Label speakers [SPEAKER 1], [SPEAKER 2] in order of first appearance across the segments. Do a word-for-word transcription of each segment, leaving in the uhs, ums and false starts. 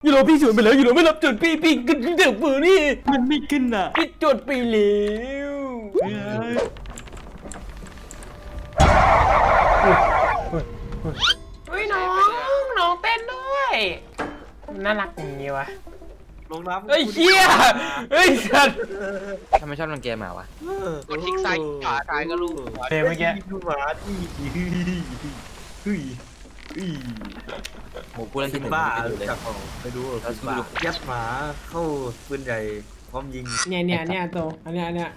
[SPEAKER 1] ยูโรพี่สวนไปแล้วยูโรไม่รับจดพี่พี่ขึ้นเด็กมือนี่
[SPEAKER 2] มันไม่ขึ้นอ่ะ
[SPEAKER 1] พี่จดไปแล้วเฮ้ยน้องน้องเต้นด้วยน่ารักอย่างนี้วะ
[SPEAKER 2] ลงน้ำ
[SPEAKER 1] เฮ้ยเฮียเฮ้ยสัตว์
[SPEAKER 3] ทำไมชอบเล่นเกมมาวะ
[SPEAKER 4] กดคลิกซ้ายขวาซ้ายก็ลูก
[SPEAKER 1] เพลงเมื่อกี้
[SPEAKER 2] ดูหมาที่เฮ้ยเฮ้ย
[SPEAKER 3] หมูกูเล่นที่หนึ่ง
[SPEAKER 2] บ้า
[SPEAKER 3] ไม่ดูเลย
[SPEAKER 2] จับของไปดูบ้ายัดหมาเข้าปืนใหญ่พร้อมยิง
[SPEAKER 1] เนี่ยเนี่ยเนี่ยโตอันเนี้ยอันเนี้ย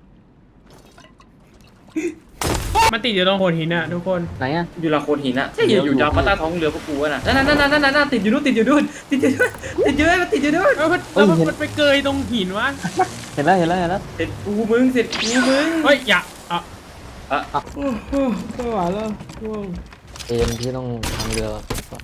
[SPEAKER 1] มันติดอยู่ตรงโขดหินอะทุกคน
[SPEAKER 5] ไหนอะ
[SPEAKER 3] อยู่ละโคนหินอะใช่อยู่ยาวมาใต้ท้องเรือพวกกูน่ะนั่นนั่นนั่นนั่นนั่นติดอยู่นู่นติดอยู่นู่นติดอยู่นู่นติดอยู่นู่นติดอยู่นู่น
[SPEAKER 1] เออมันมันไปเกยตรงหินวะ
[SPEAKER 5] เห็นแล้วเห็นแล้วเห็นแล้ว
[SPEAKER 3] เสร็จกูมึงเสร็จกูมึง
[SPEAKER 1] เฮ้ยอย่าอ่ะ
[SPEAKER 3] อ่ะ
[SPEAKER 1] โอ้โหไม่ไหวแล้ว
[SPEAKER 5] เอ็มที่ต้องทำเรือ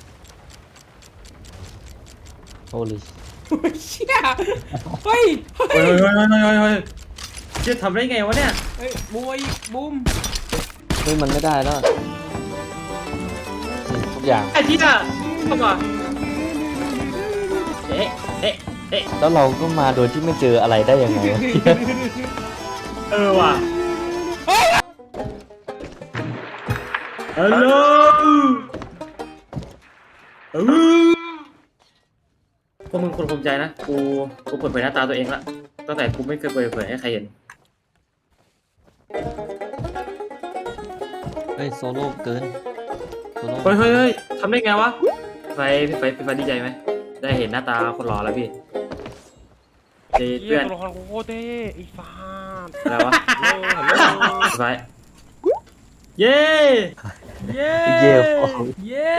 [SPEAKER 5] โอ้ลิ
[SPEAKER 1] เชี่ยเฮ้ย
[SPEAKER 3] เฮ้ยเฮ้ยเฮ้ยเฮ้ยเฮ้ยจะทำได้ไงวะเนี่ย
[SPEAKER 1] เฮ้ยบูมบูม
[SPEAKER 5] เฮ้ยมันไม่ได้แล้วทุกอย่าง
[SPEAKER 3] ไอ้ที่น่ะเข้ามาเอ๊ะเอ๊ะเอ๊ะ
[SPEAKER 5] แล้วเราก็มาโดยที่ไม่เจออะไรได้ยังไง
[SPEAKER 3] เออว่ะฮัลโหลเออพวกมึงคนภูมิใจนะกูกูเปิดเผยหน้าตาตัวเองละตั้งแต่กูไม่เคยเปิดเผยให้ใครเห็น
[SPEAKER 5] เฮ้ยโซโล่เกินโซโล่
[SPEAKER 3] เฮ้ยเฮ้ยเฮ้ยทำได้ไงวะไฟพี่ไฟพี่ไฟดีใจไหมได้เห็นหน้าตาคนหล่อแล้วพี่เเพื่อน
[SPEAKER 1] ตัวละครโคตรเท่ไอ้ฟ้า
[SPEAKER 3] อะไรวะไฟเย้
[SPEAKER 1] เย้
[SPEAKER 5] เย่
[SPEAKER 1] เย้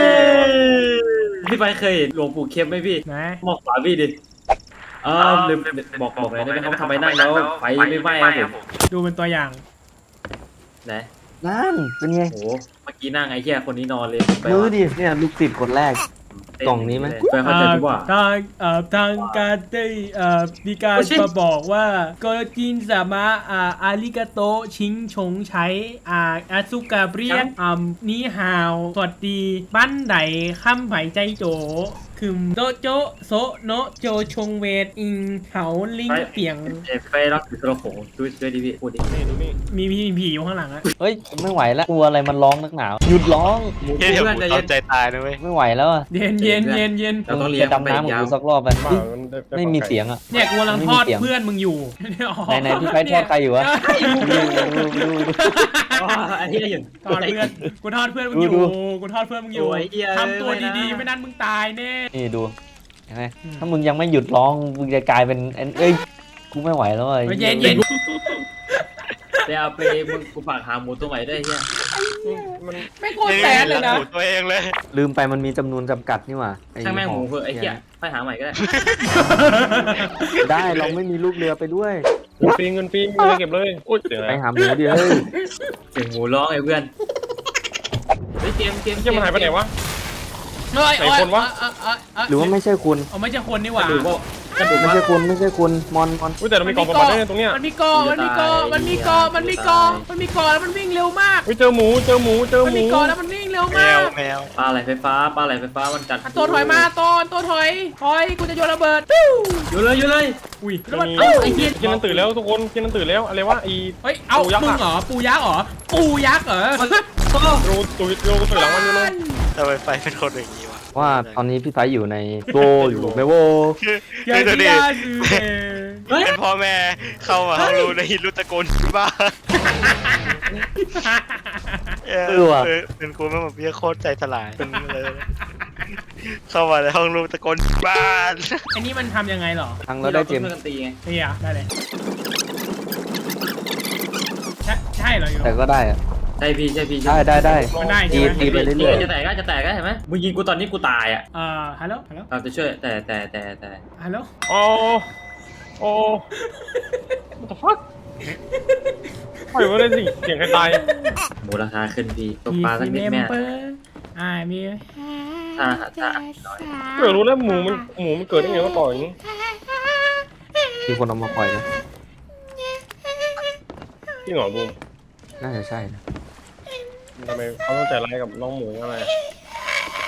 [SPEAKER 3] พี่ไฟเคยเห็นหลวงปู่เข้มไหมพี่มองขวาพี่ดิเออลืมบอกบอกเลยได้ไหมเขาทำไมนั่งแล้วไฟไม่ไหม้ครับผม
[SPEAKER 1] ดูเป็นตัวอย่าง
[SPEAKER 3] ไหน
[SPEAKER 5] นั่นเป็นไง
[SPEAKER 3] โอ้เมื่อกี้นั่งไอ้เหี้ยคนนี้นอนเลย
[SPEAKER 5] ดูดิเนี่ยลูกติดคนแรกกล่องนี้ไหม
[SPEAKER 3] ไปเข้าใจดีกว่า
[SPEAKER 1] ทางเอ่อทางการได้เอ่อมีการมาบอกว่าก็จินสามะอ่าอาริกาโตชิงชงใช้อ่าอาซุกาเรียนอ่านี่ฮาวสวัสดีบ้านไหนข้ามไหใจโจคือโตโจโซโนโจชงเวทอิงเขาลิงเปียง
[SPEAKER 3] ไปรับถือตัวโขงช่วยช่วยดิพี่พูดดิ
[SPEAKER 1] มีพี่ผีอยู่ข้างหลังอะ
[SPEAKER 5] เฮ้ยไม่ไหวแล้วกลัวอะไรมันร้องนักหนาวหยุดร้อง
[SPEAKER 4] เดี๋ยวกูตอใจตายนะเว้ย
[SPEAKER 5] ไม่ไหวแล้วอะ
[SPEAKER 1] เย็นเย็นเย็นเย็น
[SPEAKER 3] เราต้องเลี้ยง
[SPEAKER 5] ดำน้ำกูสักรอบไปไม่มีเสียงอะ
[SPEAKER 1] เนี่ยกูกำลังทอดเพื่อนมึงอยู่
[SPEAKER 5] ไหนไหนพี่ไฟทอดใครอยู่วะดูดูดู
[SPEAKER 3] ไอ้เหี้ยอยู่
[SPEAKER 1] ทอดเพื่อนกูทอดเพื่อนมึงอยู่กูทอดเพื่อนมึงอยู่ทำตัวดีๆไม่นั้นมึงตายแน่
[SPEAKER 5] นี่ดูเห็นไหมถ้ามึงยังไม่หยุดร้องมึงจะกลายเป็นเอ้ยกูไม่ไหวแล้วอ่ะ
[SPEAKER 1] เย็นเย็น
[SPEAKER 3] ไปเอาไปมึงกูฝากหาหมูตัวใหม่ได้เฮีย
[SPEAKER 1] ไม่โคตรแสนเลยนะ
[SPEAKER 4] ตัวเองเลย
[SPEAKER 5] ลืมไปมันมีจำนวนจำกัดนี่หว่า
[SPEAKER 3] ช่างแม่งหมูเพื่อไอ้เหี้ยไปหาใหม่ก็ได้
[SPEAKER 5] ได้เราไม่มีลูกเรือไปด้วย
[SPEAKER 4] เงินฟรีเงินฟรีเงินเก็บเลย
[SPEAKER 5] ไปหาหมูดิเฮ้ย
[SPEAKER 3] เสียงหมูร้องไอ้เพื่อนเฮ้ยเกมเกม
[SPEAKER 4] เกมมันหายไปไหนวะ
[SPEAKER 1] ไหนคนวะ
[SPEAKER 5] หรือว่าไม่ใช่คุณ
[SPEAKER 1] อ๋อไม่ใช่คนนี่หว่า
[SPEAKER 5] ไม่ใช่คุณไม่ใช่คุณมอนมอน
[SPEAKER 4] แต่เรามีกองประมาณได้ตรงเนี้ย
[SPEAKER 1] มันมีกอมันมีกอมันมีกอมันมีกอมันมีกอแล้วมันวิ่งเร็วมาก
[SPEAKER 4] เจอหมูเจอหมูเจอหมู
[SPEAKER 1] มันมีกอแล้วมันวิ่งเร็วมาก
[SPEAKER 4] แมว
[SPEAKER 3] ปลาไหลไฟฟ้าปลาไหลไฟฟ้ามันจัด
[SPEAKER 1] ตัวถอยมาตอนตัวถอยถอยกูจะโยนระเบิด
[SPEAKER 3] อยู่เลยอยู่เลย
[SPEAKER 1] อุ้ย
[SPEAKER 4] แล้วมันไอ้เหี้ยกินนั่นตื่นแล้วทุกคนกินนั่นตื่นแล้วอะไรวะไอ้
[SPEAKER 1] เฮ้ยเอามึงเหรอปูยักษ์เหรอปูยักษ์เหรอ
[SPEAKER 4] โรตุยโรตุยหลังมันอยู่เลยทำไมไฟเป็นคนอย่างนี้วะ
[SPEAKER 5] ว่าตอนนี้พี่ไฟอยู่ในโกอยู่ในโว
[SPEAKER 4] คือคือดิเป็นพ่อแม่เข้ามาเขารู้ในรุ่นตะโกนบ้าเออว่ะเป็นกูไม่มาเบี้ยโคตรใจสลายเป็นเลยเข้ามาในห้องลูกตะโกนบ้าน
[SPEAKER 1] อันนี้มันทำยังไงหรอ
[SPEAKER 5] ทางเราได้เกม
[SPEAKER 3] ตีไง
[SPEAKER 1] เฮียได้เลยใช่ใช่เหรอ
[SPEAKER 5] แต่ก็ได้อะ
[SPEAKER 3] ใช่พี่ใช่พี่
[SPEAKER 5] ได้ได้ได้
[SPEAKER 1] ได้
[SPEAKER 5] ตีตีไปเรื่อย
[SPEAKER 3] ๆจะแตกก็จะแตกก็เห็นไหมมึงยิงกูตอนนี้กูตายอ่ะ
[SPEAKER 1] อ่าฮัลโหลฮัลโหล
[SPEAKER 3] เราจะช่วยแต่แต่แต่แต่
[SPEAKER 1] ฮัลโหล
[SPEAKER 4] โอ้โอ้ what the fuck ปล่อยไว้เลยสิเสียงใครตาย
[SPEAKER 3] หมูราคาขึ้นพี่ตกปลาสักนิดแม่
[SPEAKER 1] อ่ามี
[SPEAKER 3] ถ้าถ้า
[SPEAKER 4] เกิดรู้แล้วหมูมันหมูมันเกิดได้ไงก็ปล่อยอย่างนี้
[SPEAKER 5] มีคนเอามาปล่อยนะ
[SPEAKER 4] ที่หงอบูม
[SPEAKER 5] น่าจะใช่นะ
[SPEAKER 4] ทำไมเขาต้องใจร้ายกับน้องหมูอะไร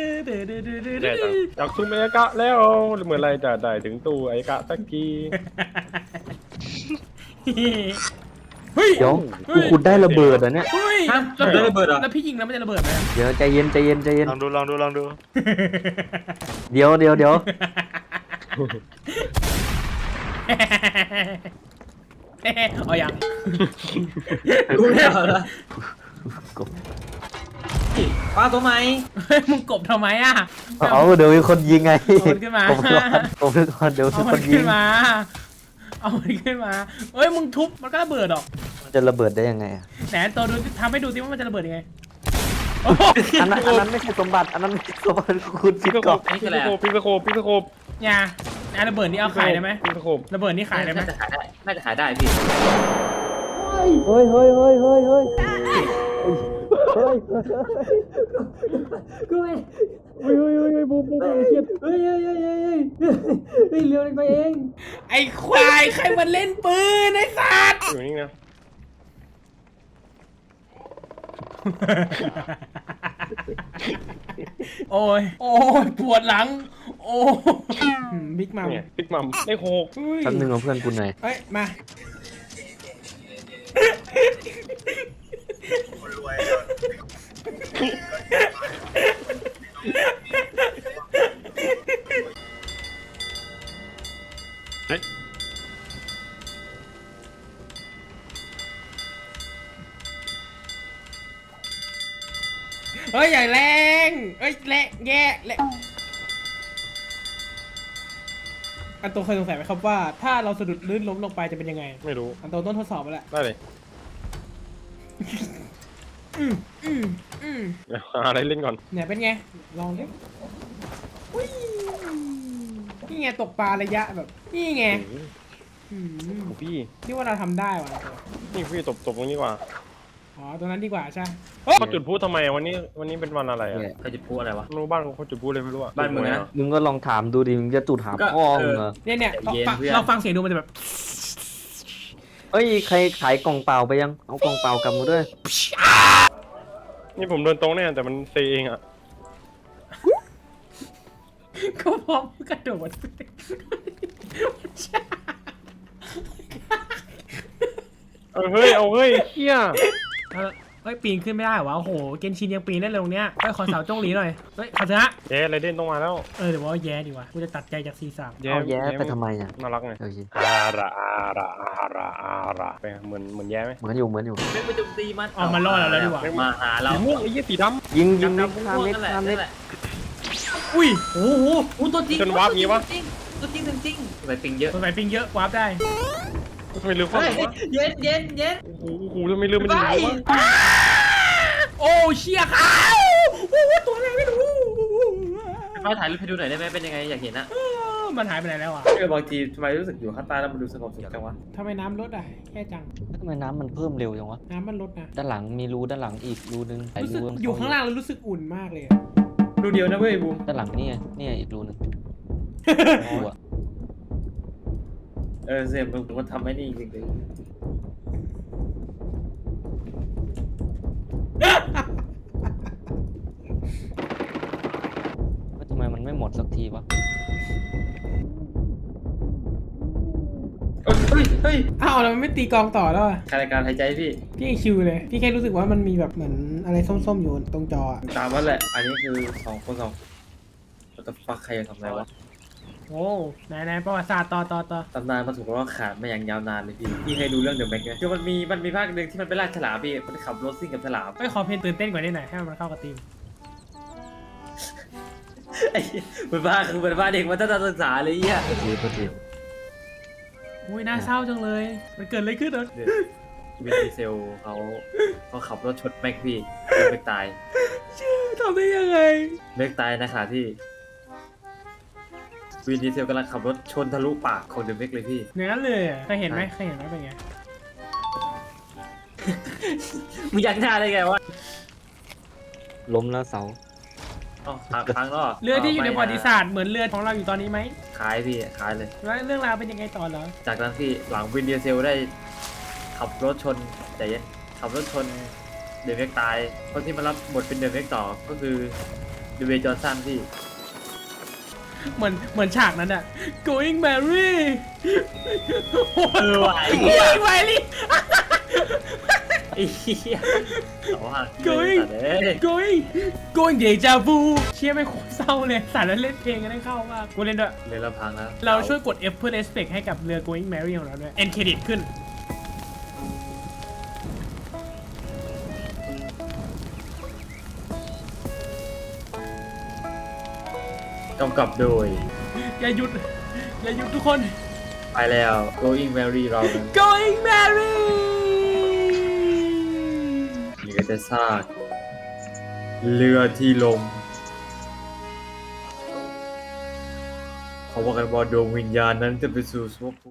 [SPEAKER 6] แย่จังอยากซุ่มไอ้กะแล้วเมื่อไรจะได้ถึงตู้ไอ้กะสักที
[SPEAKER 1] เฮ้ย
[SPEAKER 5] เดี๋ยวกูขุดได้ระเบิดอ่ะเนี่ย
[SPEAKER 1] เฮ้ย
[SPEAKER 2] ฮะได้ระเบิดเหรอ
[SPEAKER 1] แล้วพี่ยิงแล้วมันจะระเบิดไหม
[SPEAKER 5] เดี๋ยวใจเย็นใจเย็นใจเย็น
[SPEAKER 4] ลองดูลองดูลองดู
[SPEAKER 5] เดี๋ยวเดี๋ยวเดี๋ยว
[SPEAKER 1] เอาอย่าง
[SPEAKER 2] กูไม่เอาละ
[SPEAKER 5] กบ
[SPEAKER 2] ปลาตัวไหม
[SPEAKER 1] เฮ้ยมึงกบทำไมอ่ะ
[SPEAKER 5] เอาเดี๋ยวมีคนยิงไง
[SPEAKER 1] เอามันขึ้นมา
[SPEAKER 5] ผมก่อนผมก่อนเดี๋ยว
[SPEAKER 1] เอา
[SPEAKER 5] มี
[SPEAKER 1] มั
[SPEAKER 5] คน นยิ
[SPEAKER 1] ขึ้
[SPEAKER 5] ง
[SPEAKER 1] นมา เอามันขึ้นมาเอ้ยมึงทุบมันก็ระเบิดหรอก
[SPEAKER 5] มันจะระเบิดได้ยังไงอะ
[SPEAKER 1] ไหนตัวดูทำให้ดูสิว่ามันจะระเบิดยังไง
[SPEAKER 5] อันนั้นอันนั้นไม่ใช่สมบัติอันนั้นไม่ใช่สมบัติคุณ
[SPEAKER 6] พิ
[SPEAKER 5] คิด
[SPEAKER 6] กโค
[SPEAKER 5] ก่อน
[SPEAKER 6] พิกโคพิกโคพิกโค
[SPEAKER 1] เนี่ยนะระเบิดนี่เอาขายได้ไหม
[SPEAKER 6] พิกโค
[SPEAKER 1] ระเบิดนี่ขายได้ไหม
[SPEAKER 2] น่าจะขายได้น่าจะขายได้พี่
[SPEAKER 5] เฮ้ยเฮ้ยเฮ้ยเฮ้ยเฮ้ยเฮ้ย
[SPEAKER 3] กูไม่
[SPEAKER 6] เฮ้ยเฮ้ยเฮ้ยบูบูบูเครียด
[SPEAKER 3] เฮ้ยเฮ้ยเฮ้ยเฮ้ยเฮ้ยเฮ้ยเร็วไปเอง
[SPEAKER 1] ไอ้ควายใครมันเล่นปืนไอ้สัตว์
[SPEAKER 6] อยู่นี่นะ
[SPEAKER 1] โอ้ยโอ้ยปวดหลัง โอ้บิ๊กมัม
[SPEAKER 6] เนี่ยพิกมัมได้โคก
[SPEAKER 5] แป๊บนึงเอาเพื่อนกูหน่อย
[SPEAKER 1] เฮ้ยมา เฮ้ยอย่าแรงเฮ้ยแรงแย่แรงอันโตเคยสงสัยไหมครับว่า ถ้าเราสะดุดลื่นล้มลงไปจะเป็นยังไง
[SPEAKER 6] ไม่รู้
[SPEAKER 1] อันโตต้นทดสอบไปแล้ว
[SPEAKER 6] ได้เลย
[SPEAKER 1] อืมอืมอืม
[SPEAKER 6] เดี๋ยวหาอะไรเล่นก่อน
[SPEAKER 1] เนี่ยเป็นไง ลองดิอุ้ยนี่ไงตกปลาระยะแบบ นี่ไง
[SPEAKER 6] โอ้โห
[SPEAKER 1] อืม
[SPEAKER 6] พี่
[SPEAKER 1] ที่ว่าเราทำได้ว่ะ
[SPEAKER 6] นี่พี่ตบตบตรงนี้ดีกว่า
[SPEAKER 1] อ๋อตรงนั้นดีกว่าใช่
[SPEAKER 6] เขาจุดพลุทำไมวันนี้วันนี้เป็นวันอะไรอ่ะ
[SPEAKER 2] เขาจะพูดอะไรวะ
[SPEAKER 6] ไม่รู้บ้านเขาจุดพลุเลยไม่รู้อ่ะ
[SPEAKER 2] บ้านมึงนะ
[SPEAKER 5] มึงก็ลองถามดูดิมึงจะจุดถาม
[SPEAKER 2] ก็
[SPEAKER 5] พ่อ
[SPEAKER 2] เออ
[SPEAKER 5] มึงเหรอ
[SPEAKER 1] เนี่ยเนี่ย
[SPEAKER 2] ใจเย็น
[SPEAKER 1] ฟัง
[SPEAKER 2] เพื่อน
[SPEAKER 1] เราฟังเสียงดูมันจะแบบ
[SPEAKER 5] เอ้ยใครขายกล่องเปล่าไปยังเอากล่องเปล่ากลับมาด้วย
[SPEAKER 6] นี่ผมเดินตรงเนี่ยแต่มันเซเองอ่ะ
[SPEAKER 1] ก็พร้อมกระโดด
[SPEAKER 6] เออเฮ้ยเอาเฮ้ยเฮีย
[SPEAKER 1] เออเฮ้ยปีนขึ้นไม่ได้เหรอวะโอ้โหเกนชินยังปีนได้เลยตรงเนี้ยเฮ้ยขอเสาจ้องหลีหน่อยเฮ้ยขอชนะ
[SPEAKER 6] เจ๊ไรเด่นต้องมาแล้ว
[SPEAKER 1] เออเดี๋ยวว่าแย่ดีกว่ากูจะตัดใจจากซีสาม
[SPEAKER 5] เอาแย้ไปทำไมอ่ะ
[SPEAKER 6] น่ารักไง
[SPEAKER 5] โอเค
[SPEAKER 6] อาระอาระอาระอาระไปเหมือนเหมือนแย่ไหม
[SPEAKER 5] เหมือนอยู่เหมือนอยู่
[SPEAKER 2] ไม่ไปโจมตีมัน
[SPEAKER 1] อ๋อมันรอดเราแล้วดีกว่า
[SPEAKER 2] มาหาเรา
[SPEAKER 6] สีม่วงไอ้ยี่สีดำ
[SPEAKER 5] ยิงยิง
[SPEAKER 2] ดำ
[SPEAKER 5] เล็ก
[SPEAKER 2] ดำ
[SPEAKER 5] ข้าม
[SPEAKER 2] ม่วง
[SPEAKER 5] เล็ก
[SPEAKER 2] นั่นแหละ
[SPEAKER 5] ข้ามเล็
[SPEAKER 2] นั่
[SPEAKER 5] ก
[SPEAKER 2] นแหละ
[SPEAKER 1] อุ้ย
[SPEAKER 2] โอ้โหโอ้ตัวจริง
[SPEAKER 6] จนวาร์ปงี้วะ
[SPEAKER 2] ตัวจริงตัวจริงไปปิงเยอะ
[SPEAKER 1] ตัวไหนปิงเยอะวาร์ปได้
[SPEAKER 6] ทำไมลืมข้อ
[SPEAKER 2] เฮ้ย
[SPEAKER 6] มูลวะ
[SPEAKER 2] เย็นเย็นเย็น
[SPEAKER 6] โอ้โหโอ้โหทำไมลืมมัน
[SPEAKER 2] ไป
[SPEAKER 6] ลืมวะ
[SPEAKER 1] โอ้เชี่ยขาวโอ้โหตัวอะไรไม่รู้
[SPEAKER 2] ไปถ่ายรูปให้ดูหน่อยได้ไหมเป็นยังไงอยากเห็นอะ
[SPEAKER 1] เออมันหายไปไหนแล้วอ่ะ
[SPEAKER 3] เออบางทีทำไมรู้สึกอยู่ข้างใต้แล้วมันดูสงบสุขจังวะ
[SPEAKER 1] ทำไมน้ำลดอ่ะแค่จัง
[SPEAKER 5] ทำไมน้ำมันเพิ่มเร็วจังวะ
[SPEAKER 1] น้ำมันลดนะ
[SPEAKER 5] ด้านหลังมีรูด้านหลังอีกรูนึงหลาย
[SPEAKER 1] รู้สึก
[SPEAKER 5] รู
[SPEAKER 1] อยู่ข้างล่างแล้วรู้สึกอุ่นมากเลยอะ
[SPEAKER 3] ดูเดียวนะเว้ยบูม
[SPEAKER 5] ด้านหลังนี่ไงนี่ไงอีกรูนึงรูอะ
[SPEAKER 3] เออเสียมันมันทำให้นี่จริง
[SPEAKER 5] ว่าทำไมมันไม่หมดสักทีวะ
[SPEAKER 3] ๆเฮ้ยเฮ้ยเฮ้ย
[SPEAKER 1] อ้าวแล้วมันไม่ตีกองต่อแล้วอ่ะ
[SPEAKER 3] การการหายใจพี่
[SPEAKER 1] พี่ชิวเลย พี่แค่รู้สึกว่ามันมีแบบเหมือนอะไรส้มๆอยู่ตรงจออะ
[SPEAKER 3] ตามนั้นแหละ อันนี้คือสองคนสองแต่ฟักใครจะทำอะไรวะ
[SPEAKER 1] โอ้ไหนไหนประวัติศาสตร์ต่อต่อต่อ
[SPEAKER 3] ตำนานมาถูกว่าขาดมาอย่างยาวนานเลยพี่พี่เคยดูเรื่องเดอะแม็กไหมคือมันมีมันมีภาคหนึ่งที่มันไปล่าฉลามพี่มันขับรถซิ่งกับฉลาม
[SPEAKER 1] เฮ้ยขอเพลงตื่นเต้นกว่านี้หน่อยให้มันเข้ากับธีม
[SPEAKER 3] ไอ้เหี้ยมันบ้าคือมันบ้าเด็กมันตั้งแต่ศึกษาเลยไอ่ะ
[SPEAKER 5] โทษทีโทษที
[SPEAKER 1] อุ้ยน่าเศร้าจังเลย มันเกิดอะไรขึ้นเหรอ
[SPEAKER 3] วินดีเซลเขาเขาขับรถชนแม็กพี่แม็กตาย
[SPEAKER 1] ชื่อทำได้ยังไง
[SPEAKER 3] แม็กตายนะค่ะที่วินดีเซลกำลังขับรถชนทะลุปากของเดอะแม็กเลยพี่
[SPEAKER 1] อย่างนั้นเลยอะเคยเห็นไหมเคยเห็นไหมเป็นไง
[SPEAKER 3] มึงอยากหน้าได้ไงวะ
[SPEAKER 5] ล้มแล้วเสา
[SPEAKER 3] อ๋อทางทางเนาะ
[SPEAKER 1] เรือที่อยู่ในประวัติศาสตร์เหมือนเรือของเราอยู่ตอนนี้ไหม
[SPEAKER 3] ขายพี่ขายเลย
[SPEAKER 1] แล้วเรื่องราวเป็นยังไงต่อเหรอ
[SPEAKER 3] จากนั้นพี่หลังวินเดียเซลได้ขับรถชนใจเย็นขับรถชนเดวิดตายคนที่มารับบทเป็นเดวิดต่อก็คือเดวิดจอห์นสันพี่
[SPEAKER 1] เหมือนเหมือนฉากนั้นอะ going Mary
[SPEAKER 3] เออว่ะไอ้
[SPEAKER 1] going Mary
[SPEAKER 3] ไอ้เหี้ยแต่ว่า
[SPEAKER 1] going
[SPEAKER 3] แต่เอ้ย
[SPEAKER 1] going going deja vu เชี่ยไม่งโคตรเศร้าเลยสารแล้วเล่นเพลงกันได้เข้ามากกูเล่นด้วย
[SPEAKER 3] เรือละพังแล้ว
[SPEAKER 1] เราช่วยกด F เพื่อ respect ให้กับเรือ going Mary ของเราด้วย end credit ขึ้น
[SPEAKER 3] กำกับโดย
[SPEAKER 1] อย่าหยุด อย่าหยุดทุกคน
[SPEAKER 3] ไปแล้ว Going Mary เรานั้น
[SPEAKER 1] going Mary
[SPEAKER 3] นี่ก็จะซากเรือที่ลมเขาว่ากันว่าดวงวิญญาณนั้นจะไปสู่สวรรค์